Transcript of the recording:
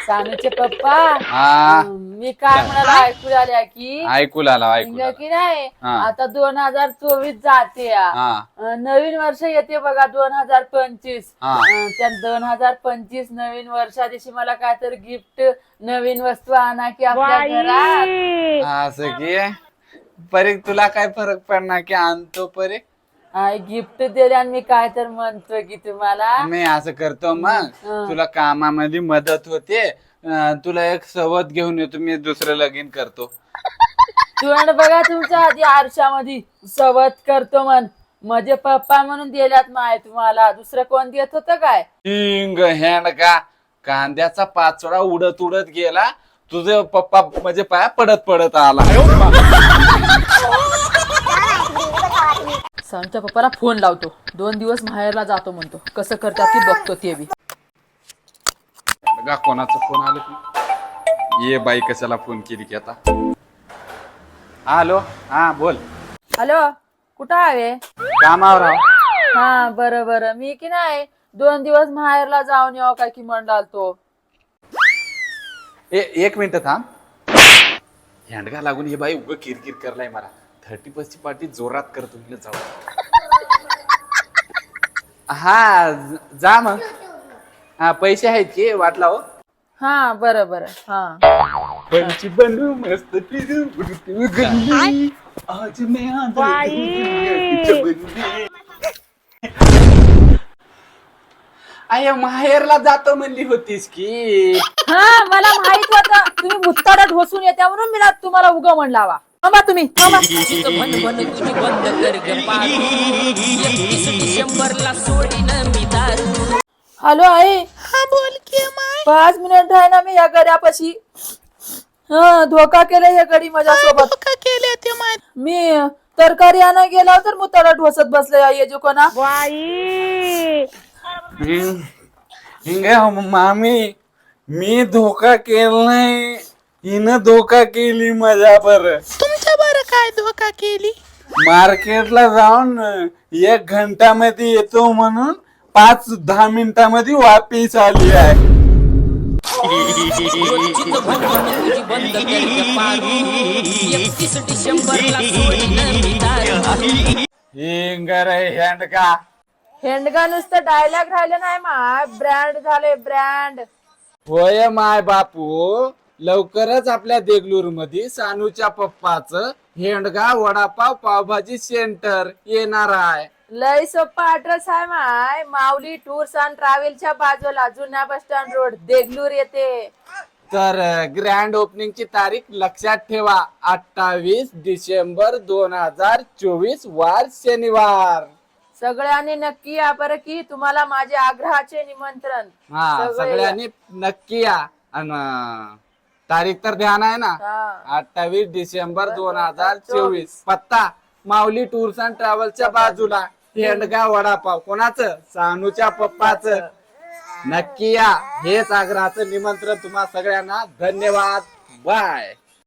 सानूचे पप्पा हा मी काय म्हणाला ऐकू आल्या की ऐकू की नाही हा. आता 2024 जाते नवीन वर्ष येते बघा 2025 हा. त्या 2025 नवीन वर्षा दिवशी मला काय तर गिफ्ट नवीन वस्तू आणा की आपल्या घरात असं की परीक तुला काय फरक पडणार की आणतो परीक गिफ्ट दिले आणि मी काय तर म्हणतो की तुम्हाला मी असं करतो मग तुला कामामध्ये मदत होते तुला एक सवत घेऊन येतो मी दुसरं लगीन करतो तोंड बघा तुमच्या आधी आरशामध्ये सवत करतो माझे पप्पा म्हणून दिल्यात माय तुम्हाला दुसरं कोण देत होत काय हिंग हँड का कांद्याचा पाचोळा उडत उडत गेला तुझे पप्पा म्हणजे पाया पडत पडत आला सानूच्या पप्पाला फोन लावतो 2 दिवस माहेरला जातो म्हणतो कसं करतात ती बघतो ते बी बघा कोणाचा फोन आला की ये बाई कशाला फोन केली की आता हॅलो हा बोल हॅलो कुठं आहे कामावर आहो. हा बरं मी की नाही 2 दिवस माहेरला जाऊन यावं काय की म्हणलाल तो एक मिनिट थांब हँडगा लागून हे बाई उग किरकिर करलाय मला 30 पार्टी जोरात करतो तुला जाऊ हा जा मग हा पैसे आहेत की वाटला हो हा बरं हा पंची बनू मस्त फिरू उडती गल्ली आज मैं आय माहेरला जातो म्हणली होतीस की हा मला माहित होतं तुम्ही मुत्ताडात घोसून येत्या म्हणून मी तुम्हाला उगा म्हणलावा थांबा तुम्ही थांबा हॅलो आई हा बोल की माय 5 मिनिट आहे ना मी या गड्यापाशी हा धोका केला या गडी माझ्यासोबत का केले ते माय मी तरकारी आणा गेला तर मुताडा ढोसत बसले या जो कोणा हिंग मामी मी धोका केलाय हिनं धोका केली माझ्या बर तुमच्या बरं काय धोका केली मार्केटला जाऊन 1 घंटामध्ये येतो म्हणून 5-10 मिनिटामध्ये वापिस आली आहे हिंग रे हँड का हेंडगा नुसतं डायलॉग राहिले नाही माय ब्रँड झाले ब्रँड होय माय बापू लवकरच आपल्या देगलूर मध्ये सानूच्या पप्पाचं हेंडगा वडापाव पावभाजी सेंटर येणार आहे लय सोप्पा ऍड्रेस आहे माय माऊली टूर्स अँड ट्रॅव्हलच्या बाजूला जुन्या बस स्टँड रोड देगलूर येते तर ग्रँड ओपनिंगची तारीख लक्षात ठेवा 28 डिसेंबर 2024 वार शनिवार सगळ्यांनी नक्की या बरं की तुम्हाला माझे आग्रहाचे निमंत्रण हा सगळ्यांनी नक्की या आणि तारीख तर ध्यान आहे ना 28 डिसेंबर 2024 पत्ता माऊली टूर्स अँड ट्रॅव्हल्सच्या बाजूला हेंडगा वडापाव कोणाचं सानूच्या पप्पाचं नक्की या हेच आग्रहाचं निमंत्रण तुम्हा सगळ्यांना धन्यवाद बाय